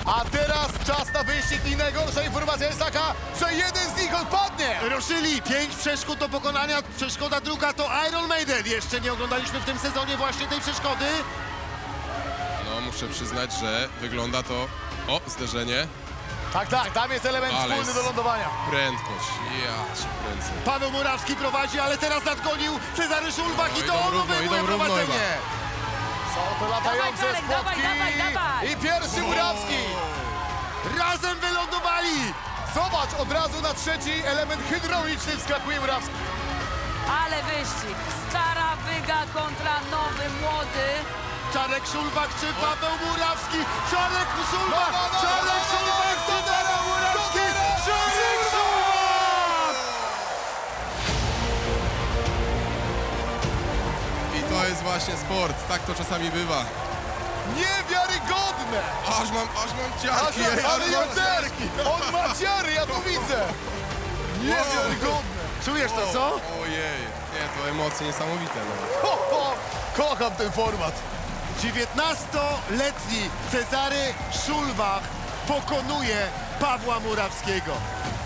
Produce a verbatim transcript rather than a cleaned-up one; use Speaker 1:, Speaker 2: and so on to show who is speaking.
Speaker 1: A teraz czas na wyścig i najgorsza informacja jest taka, że jeden z nich odpadnie.
Speaker 2: Ruszyli, pięć przeszkód do pokonania, przeszkoda druga to Iron Maiden. Jeszcze nie oglądaliśmy w tym sezonie właśnie tej przeszkody.
Speaker 3: No, muszę przyznać, że wygląda to... O, zderzenie.
Speaker 1: Tak, tak, tam jest element
Speaker 3: Ale
Speaker 1: wspólny do lądowania.
Speaker 3: Prędkość. Ja cię kręcę.
Speaker 2: Paweł Murawski prowadzi, ale teraz nadgonił Cezary Szulbach
Speaker 3: No,
Speaker 2: i
Speaker 3: idą
Speaker 2: to on
Speaker 3: równo,
Speaker 2: obejmuje
Speaker 3: idą równo
Speaker 2: prowadzenie.
Speaker 1: Są to latające
Speaker 4: Dawaj, Czarek,
Speaker 1: spotki.
Speaker 4: dawaj, dawaj, dawaj.
Speaker 1: I pierwszy Murawski.
Speaker 2: Razem wylądowali.
Speaker 1: Zobacz, od razu na trzeci element hydrauliczny wskakuje Murawski.
Speaker 4: Ale wyścig. Stara Wyga kontra nowy młody.
Speaker 2: Czarek Szulbak czy Paweł Murawski? Czarek Szulbak!
Speaker 1: No, no, no,
Speaker 2: Czarek
Speaker 1: no, no,
Speaker 2: Szulbak!
Speaker 1: no, no,
Speaker 2: Cezary
Speaker 1: no,
Speaker 2: Murawski!
Speaker 1: no, no,
Speaker 2: Czarek Szulbak!
Speaker 3: I to jest właśnie sport. Tak to czasami bywa.
Speaker 1: Niewiarygodne.
Speaker 3: Aż mam, aż mam
Speaker 1: Aż,
Speaker 3: ciarki. ej,
Speaker 1: ale
Speaker 3: aż
Speaker 1: ja
Speaker 3: mam
Speaker 1: też.
Speaker 3: ciarki.
Speaker 1: On ma ciary, ja to widzę. Niewiarygodne.
Speaker 2: Czujesz to, co?
Speaker 3: Ojej. Nie, to emocje niesamowite. No.
Speaker 1: Ho, ho. Kocham ten format.
Speaker 2: dziewiętnastoletni Cezary Szulbach pokonuje Pawła Murawskiego.